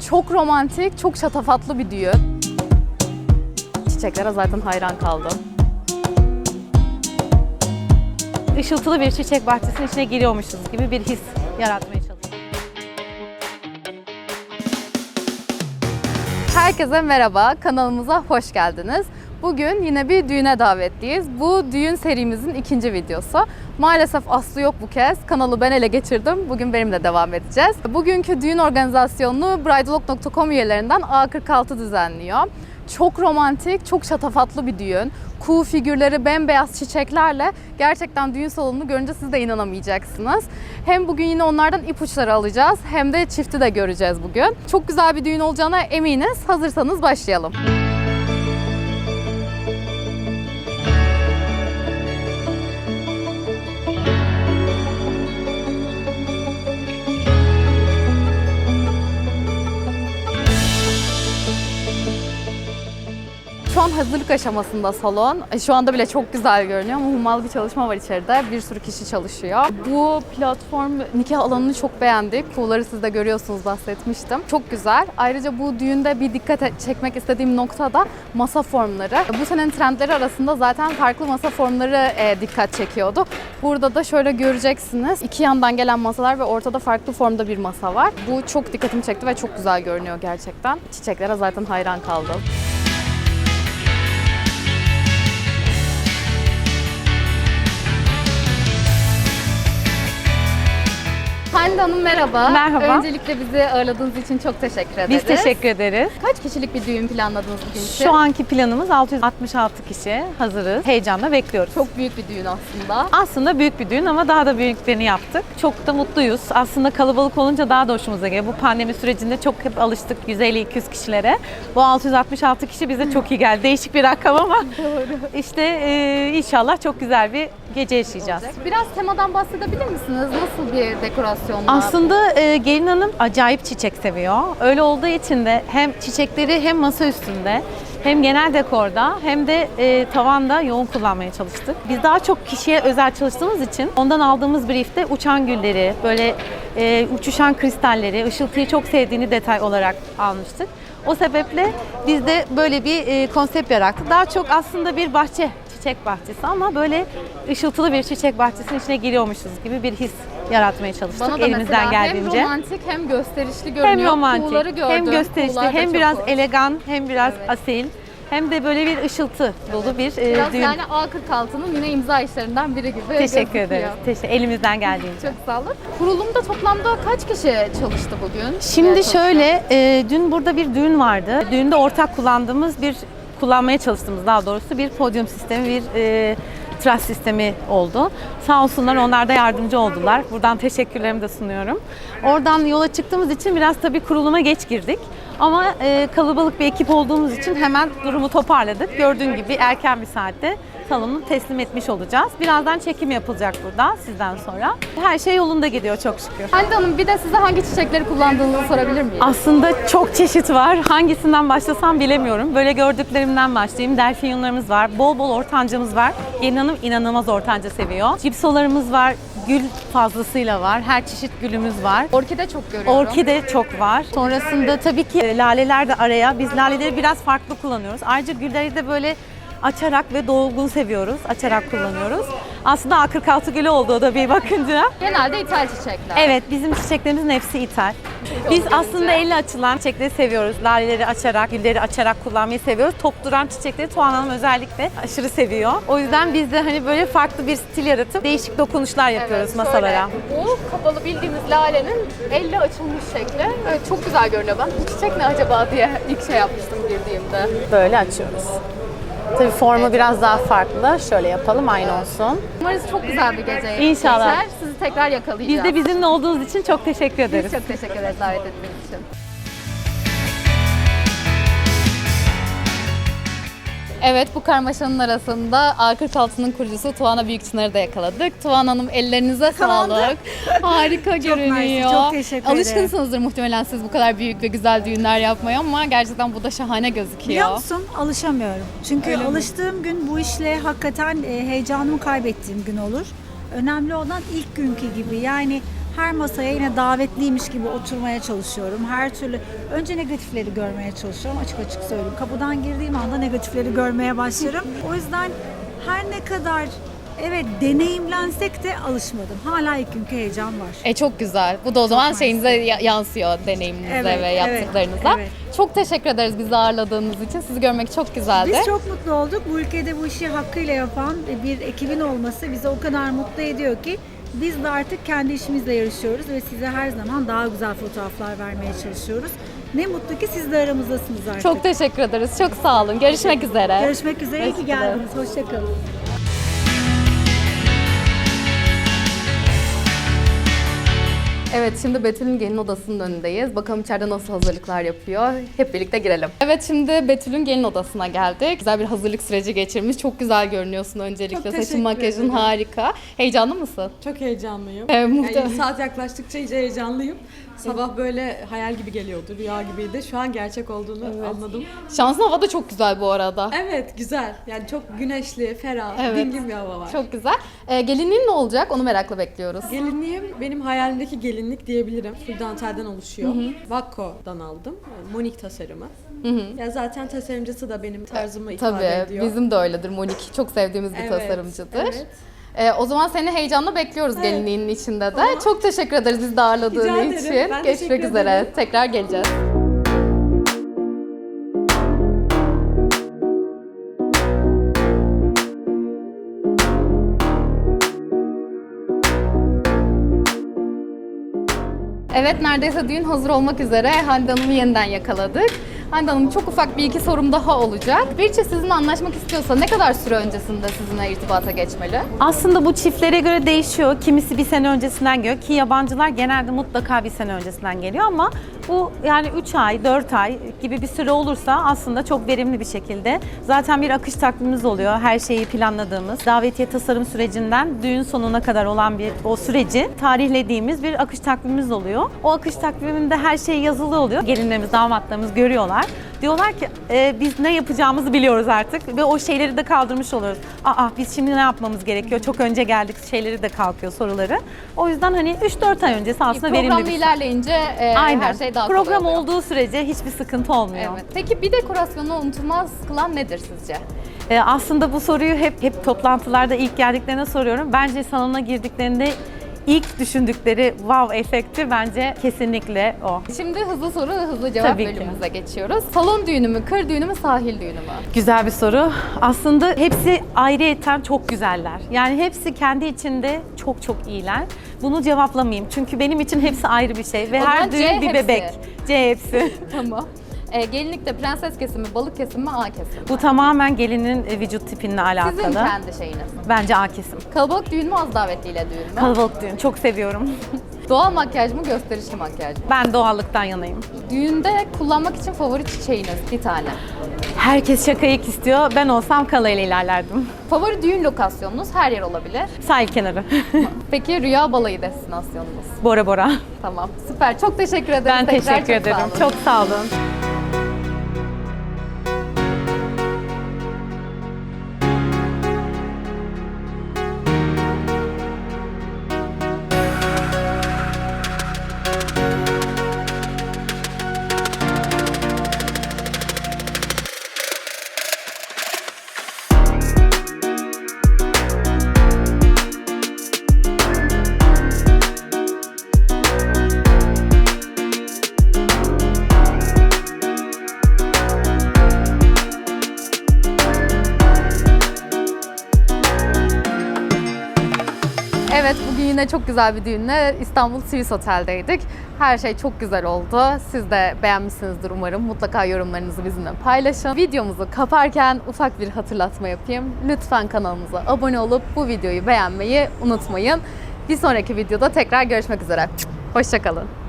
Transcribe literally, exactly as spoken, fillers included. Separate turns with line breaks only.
Çok romantik, çok şatafatlı bir düğün. Çiçeklere zaten hayran kaldım.
Işıltılı bir çiçek bahçesinin içine giriyormuşuz gibi bir his yaratmaya çalıştık.
Herkese merhaba, kanalımıza hoş geldiniz. Bugün yine bir düğüne davetliyiz. Bu düğün serimizin ikinci videosu. Maalesef Aslı yok bu kez. Kanalı ben ele geçirdim. Bugün benimle devam edeceğiz. Bugünkü düğün organizasyonunu bridalog nokta com üyelerinden A kırk altı düzenliyor. Çok romantik, çok şatafatlı bir düğün. Kuğu figürleri, bembeyaz çiçeklerle gerçekten düğün salonunu görünce siz de inanamayacaksınız. Hem bugün yine onlardan ipuçları alacağız hem de çifti de göreceğiz bugün. Çok güzel bir düğün olacağına eminiz. Hazırsanız başlayalım. Şu an hazırlık aşamasında salon. Şu anda bile çok güzel görünüyor ama hummalı bir çalışma var içeride. Bir sürü kişi çalışıyor. Bu platform nikah alanını çok beğendik. Kuğuları siz de görüyorsunuz, bahsetmiştim. Çok güzel. Ayrıca bu düğünde bir dikkat çekmek istediğim nokta da masa formları. Bu senenin trendleri arasında zaten farklı masa formları dikkat çekiyordu. Burada da şöyle göreceksiniz. İki yandan gelen masalar ve ortada farklı formda bir masa var. Bu çok dikkatimi çekti ve çok güzel görünüyor gerçekten. Çiçeklere zaten hayran kaldım. Hande Hanım merhaba.
Merhaba.
Öncelikle bizi ağırladığınız için çok teşekkür ederiz.
Biz teşekkür ederiz.
Kaç kişilik bir düğün planladınız bugün için?
Şu anki planımız altı yüz altmış altı kişi. Hazırız. Heyecanla bekliyoruz.
Çok büyük bir düğün aslında.
Aslında büyük bir düğün ama daha da büyüklerini yaptık. Çok da mutluyuz. Aslında kalabalık olunca daha da hoşumuza geliyor. Bu pandemi sürecinde çok hep alıştık yüz elli iki yüz kişilere. Bu altı yüz altmış altı kişi bize çok iyi geldi. Değişik bir rakam ama
Doğru.
işte e, inşallah çok güzel bir gece yaşayacağız.
Biraz temadan bahsedebilir misiniz? Nasıl bir dekorasyon var?
Aslında e, gelin hanım acayip çiçek seviyor. Öyle olduğu için de hem çiçekleri hem masa üstünde hem genel dekorda hem de e, tavanda yoğun kullanmaya çalıştık. Biz daha çok kişiye özel çalıştığımız için ondan aldığımız briefte uçan gülleri, böyle e, uçuşan kristalleri, ışıltıyı çok sevdiğini detay olarak almıştık. O sebeple biz de böyle bir e, konsept yarattık. Daha çok aslında bir bahçe, çiçek bahçesi ama böyle ışıltılı bir çiçek bahçesinin içine giriyormuşuz gibi bir his yaratmaya çalıştık
Bana da
elimizden
mesela
geldiğince.
hem romantik hem gösterişli görünüyor.
Hem romantik,
Kuğuları gördüm.
hem gösterişli,
Kuğular da
hem
çok
biraz
hoş.
elegan, hem biraz
Evet.
asil, hem de böyle bir ışıltı dolu bir e,
Biraz
düğün.
yani A kırk altının yine imza işlerinden biri gibi
Teşekkür
gözüküyor.
ederiz. Teşekkür, elimizden geldiğince.
Çok sağ olun. Kurulumda toplamda kaç kişi çalıştı bugün?
Şimdi
Veya
şöyle, e, dün burada bir düğün vardı. Düğünde ortak kullandığımız bir, kullanmaya çalıştığımız daha doğrusu bir podyum sistemi, bir e, tras sistemi oldu. Sağ olsunlar, onlar da yardımcı oldular. Buradan teşekkürlerimi de sunuyorum. Oradan yola çıktığımız için biraz tabii kuruluma geç girdik. Ama e, kalabalık bir ekip olduğumuz için hemen durumu toparladık. Gördüğün gibi erken bir saatte salonu teslim etmiş olacağız. Birazdan çekim yapılacak burada sizden sonra. Her şey yolunda gidiyor çok şükür.
Hande Hanım, bir de size hangi çiçekleri kullandığınızı sorabilir miyim?
Aslında çok çeşit var. Hangisinden başlasam bilemiyorum. Böyle gördüklerimden başlayayım. Delfinyonlarımız var. Bol bol ortancamız var. Gelin hanım inanılmaz ortanca seviyor. Cipsolarımız var. Gül fazlasıyla var. Her çeşit gülümüz var.
Orkide çok görüyorum.
Orkide çok var. Sonrasında tabii ki laleler de araya. Biz laleleri biraz farklı kullanıyoruz. Ayrıca gülleri de böyle açarak ve dolgun seviyoruz. Açarak kullanıyoruz. Aslında A kırk altı gülü oldu o da bir bakınca.
Genelde ithal çiçekler.
Evet, bizim çiçeklerimizin hepsi ithal. Biz aslında elle açılan çiçekleri seviyoruz. Laleleri açarak, gülleri açarak kullanmayı seviyoruz. Top duran çiçekleri Tuğan Hanım özellikle aşırı seviyor. O yüzden biz de hani böyle farklı bir stil yaratıp değişik dokunuşlar yapıyoruz
Evet,
masalara.
şöyle, bu kapalı bildiğimiz lalenin elle açılmış şekli. Evet, çok güzel görünüyor. Ben bu çiçek ne acaba diye ilk şey yapmıştım girdiğimde.
Böyle açıyoruz. Tabii formu biraz daha farklı. Şöyle yapalım, aynı olsun.
Umarız çok güzel bir gece
İnşallah.
geçer. Sizi tekrar yakalayacağız.
Biz de bizimle olduğunuz için çok teşekkür ederiz.
Biz çok teşekkür ederiz davet ettiğiniz için. Evet, bu karmaşanın arasında A kırk altının kurucusu Tuana Büyükçınar'ı da yakaladık. Tuana Hanım, ellerinize sağlık. Harika görünüyor.
mersi, çok teşekkür ederim.
Alışkınsınızdır muhtemelen siz bu kadar büyük ve güzel düğünler yapmaya ama gerçekten bu da şahane gözüküyor.
Biliyor musun? Alışamıyorum. Çünkü
Öyle mi?
alıştığım gün bu işle hakikaten e, heyecanımı kaybettiğim gün olur. Önemli olan ilk günkü gibi. Yani her masaya yine davetliymiş gibi oturmaya çalışıyorum. Her türlü önce negatifleri görmeye çalışıyorum. Açık açık söyleyeyim. Kapıdan girdiğim anda negatifleri görmeye başlarım. O yüzden her ne kadar evet deneyimlensek de alışmadım. Hala ilk günkü heyecan var.
E çok güzel. Bu da o zaman
Çok
şeyinize ya- yansıyor deneyiminize
Evet,
ve
evet,
yaptıklarınıza.
evet.
Çok teşekkür ederiz bizi ağırladığınız için. Sizi görmek çok güzeldi.
Biz çok mutlu olduk. Bu ülkede bu işi hakkıyla yapan bir ekibin olması bizi o kadar mutlu ediyor ki biz de artık kendi işimizle yarışıyoruz ve size her zaman daha güzel fotoğraflar vermeye çalışıyoruz. Ne mutlu ki siz de aramızdasınız artık.
Çok teşekkür ederiz. Çok sağ olun. Görüşmek üzere.
Görüşmek üzere. İyi ki
Hoşçakalın.
geldiniz. Hoşçakalın.
Evet, şimdi Betül'ün gelin odasının önündeyiz. Bakalım içeride nasıl hazırlıklar yapıyor. Hep birlikte girelim. Evet, şimdi Betül'ün gelin odasına geldik. Güzel bir hazırlık süreci geçirmiş. Çok güzel görünüyorsun öncelikle.
Çok
Saçın,
teşekkür
makyajın
ederim.
harika. Heyecanlı mısın?
Çok heyecanlıyım.
Evet,
Yani
muhtemelen.
saat yaklaştıkça iyice heyecanlıyım. Sabah böyle hayal gibi geliyordu, rüya gibiydi. Şu an gerçek olduğunu anladım.
Şansın hava da çok güzel bu arada.
Evet, güzel. Yani çok güneşli, ferah,
Evet.
dingin bir hava var.
Çok güzel. Ee, gelinliğin ne olacak? Onu merakla bekliyoruz.
Gelinliğim benim hayalimdeki gelinlik diyebilirim. Full dantelden oluşuyor. Vakko'dan aldım. Yani Monik tasarımı. Ya zaten tasarımcısı da benim tarzımı ifade
Tabii,
ediyor.
bizim de öyledir. Monik çok sevdiğimiz bir
Evet,
tasarımcıdır.
evet.
Ee, o zaman seni heyecanla bekliyoruz
Evet.
gelinliğinin içinde de.
Tamam.
Çok teşekkür ederiz bizi de ağırladığın
Rica ederim.
için.
Ben
Görüşmek
teşekkür
üzere.
ederim.
Tekrar geleceğiz. Evet, neredeyse düğün hazır olmak üzere. Hande Hanım'ı yeniden yakaladık. Hande Hanım, çok ufak bir iki sorum daha olacak. Bir çift sizinle anlaşmak istiyorsa ne kadar süre öncesinde sizinle irtibata geçmeli?
Aslında bu çiftlere göre değişiyor. Kimisi bir sene öncesinden geliyor ki yabancılar genelde mutlaka bir sene öncesinden geliyor ama bu yani üç ay, dört ay gibi bir süre olursa aslında çok verimli bir şekilde. Zaten bir akış takvimimiz oluyor. Her şeyi planladığımız, davetiye tasarım sürecinden düğün sonuna kadar olan bir o süreci tarihlediğimiz bir akış takvimimiz oluyor. O akış takviminde her şey yazılı oluyor. Gelinlerimiz, damatlarımız görüyorlar. Diyorlar ki e, biz ne yapacağımızı biliyoruz artık ve o şeyleri de kaldırmış oluyoruz. Aa biz şimdi ne yapmamız gerekiyor? Çok önce geldik şeyleri de kalkıyor soruları. O yüzden hani üç dört ay öncesi aslında verimli
Programla
bir süre.
ilerleyince e,
Aynen.
her şey daha kolay
Program
oluyor.
olduğu sürece hiçbir sıkıntı olmuyor.
Evet. Peki bir dekorasyonu unutulmaz kılan nedir sizce?
Ee, aslında bu soruyu hep hep toplantılarda ilk geldiklerine soruyorum. Bence salona girdiklerinde ilk düşündükleri wow efekti bence kesinlikle o.
Şimdi hızlı soru, hızlı cevap
Tabii ki.
bölümümüze geçiyoruz. Salon düğünü mü, kır düğünü mü, sahil düğünü mü?
Güzel bir soru. Aslında hepsi ayrıyeten çok güzeller. Yani hepsi kendi içinde çok çok iyiler. Bunu cevaplamayayım çünkü benim için hepsi ayrı bir şey ve
O zaman
her
C
düğün bir
hepsi.
bebek. C hepsi.
Tamam. E, gelinlikte prenses kesimi, balık kesimi mi, A kesimi mi?
Bu tamamen gelinin e, vücut tipinle alakalı.
Sizin kendi şeyiniz.
Bence A kesim.
Kalabalık düğün mü, az davetliyle düğün mü?
Kalabalık düğün. Çok seviyorum.
Doğal makyaj mı, gösterişli makyaj mı?
Ben doğallıktan yanayım.
Düğünde kullanmak için favori çiçeğiniz bir tane.
Herkes şakayık istiyor. Ben olsam kalayla ilerlerdim.
Favori düğün lokasyonunuz her yer olabilir.
Sahil kenarı.
Peki rüya balayı destinasyonunuz?
Bora Bora.
Tamam, süper. Çok teşekkür ederim.
Ben
Tekrar
teşekkür
çok
ederim.
sağ olun.
Çok sağ olun.
Evet, bugün yine çok güzel bir düğünle İstanbul Swiss Otel'deydik. Her şey çok güzel oldu. Siz de beğenmişsinizdir umarım. Mutlaka yorumlarınızı bizimle paylaşın. Videomuzu kaparken ufak bir hatırlatma yapayım. Lütfen kanalımıza abone olup bu videoyu beğenmeyi unutmayın. Bir sonraki videoda tekrar görüşmek üzere. Hoşça kalın.